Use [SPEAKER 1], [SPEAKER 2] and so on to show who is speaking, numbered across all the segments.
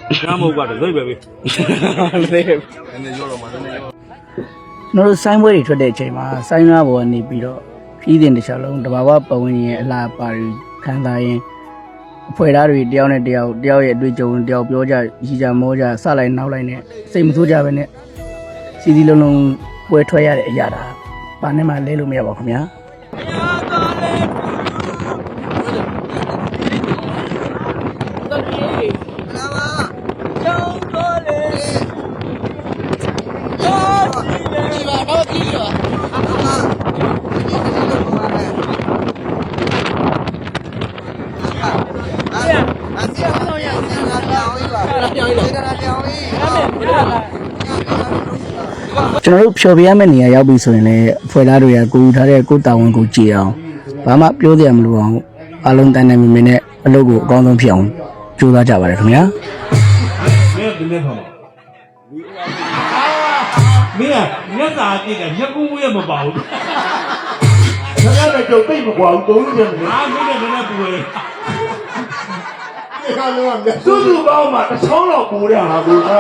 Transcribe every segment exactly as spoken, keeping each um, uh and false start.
[SPEAKER 1] Nhà màu quả được dây về
[SPEAKER 2] nó sai mới cho để chạy mà sai ra bộ này bị đó phí tiền để trả luôn đó bảo bảo như là bà khán giả phải ra rồi đeo này đeo đeo vậy đuôi trâu đeo biểu ra chỉ ra mua ra sao lại nào lại nè xây một số ra bên nè xí đi luôn luôn quay thoại ra để ra đó bạn này mà lấy luôn mẹ bảo không nháကျွန်တော်တို့ဖြော်ပြရမယ့်နေရာရောက်ပြီဆိုရင်လည်းဖွယ်သားတွေကကိုယူထားတဲ့ကိုတာဝန်ကိုကြည့်အောင်ဘာမှပြောသေးရမလို့အောင်အလုံးတန်းနိုင်မြင်နဲ့အလုပ်ကိုအကောင်းဆုံးဖြစ်အောင်ကြိုးစားကြပါရခင်ဗျာ
[SPEAKER 1] မင်းကမျက်စာကြည့်တယ်မျက်ကူးမွေးမပေါ့ဘူး
[SPEAKER 3] ခင်ဗျားလည်းကြုံသိမ့်မကွာဘူးသုံးလို့ရတယ်
[SPEAKER 1] အာမင်းနဲ့မနဲ့ပူလေ
[SPEAKER 3] ဒီကလုံးကသူ့သူ့ပေါင်းမှာတစ်ချောင်းလောက်ပူရဟာဘူးက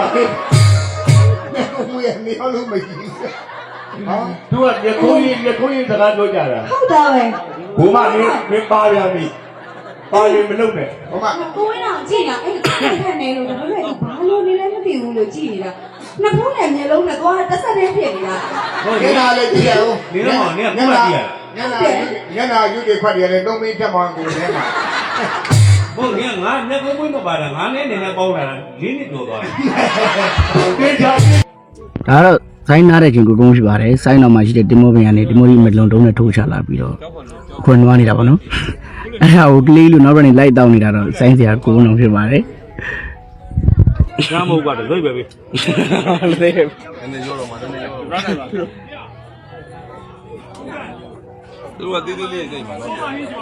[SPEAKER 3] မွေးနေလို့မကြည့်ဟာသူကရခိုးရင်ရခိုးရင်စကားပြောကြတာ
[SPEAKER 4] ဟုတ်တာပဲ
[SPEAKER 3] ဘုမမင်းမင်းပါရပြီပါရင်မလုပ်နဲ့ဘုမ
[SPEAKER 4] ကိုဝင်းအောင်ကြည့်တာအဲ့အဲ့ခက်နေလို့ဒါပေမဲ့ဘာလို့နေလဲမသိဘူးလို့ကြည့်နေတာနှစ်ဖူးနဲ့မျက်လုံးနဲ့သွားတက်ဆက်တဲ့ဖြစ်နေတာ
[SPEAKER 3] ဟုတ်ကဲ့ဒါလည်းကြည့်ရအောင်
[SPEAKER 1] နေတော့နေကမှတ်ကြည့်ရ
[SPEAKER 3] ညနာညနာယူတွေခွက်ရတယ်သုံးမင်းတက်မှန်ကိုထဲမှာ
[SPEAKER 1] ဟုတ်ကဲ့ငါမျက်ကူးမွေးမပါတာငါနဲ့နေနဲ့ပေါင်းလာတာလေးနှစ်ကျော်သွား
[SPEAKER 3] တယ်ကြည့်ချာ
[SPEAKER 2] ဒါတော့ဆိုင်းနားတဲ့ချင်းကိုကုန်းရှိပါတယ်ဆိုင်းတော်မှာရှိတဲ့တင်မောပင်ကနေတင်မောကြီးမလုံတုံးနဲ့ထိုးချလာပြီးတော့ခွန်နွားနေတာပေါ့နော်အဲ့ဒါကိုကလေးလို့နောက်တော့နေလိုက်တောင်းနေတာတော့ဆိုင်းစရာကိုကုန်းအောင်ဖြစ်ပါတယ်
[SPEAKER 1] ညာမဟုတ်ပါတော့ဒိတ်ပဲပဲ
[SPEAKER 2] လေ
[SPEAKER 3] နည်းနည်းရောတော့မှာနည်းနည်းရောသူကတေးသေးလေးစိတ်မှာနော်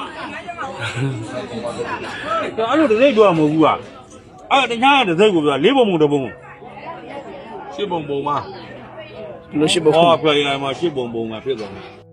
[SPEAKER 1] အဲ့လိုဒိတ်တော့မဟုတ်ဘူးကအဲ့တခြားတဲ့ဒိတ်ကိုပြောလေးပုံပုံတစ်ပုံ
[SPEAKER 3] ရှစ်ပုံပုံမှာ
[SPEAKER 2] လို့ရှိဖို့
[SPEAKER 1] ဟောပြရမှာရှစ်ပုံပုံမှာဖြစ်သွားတယ်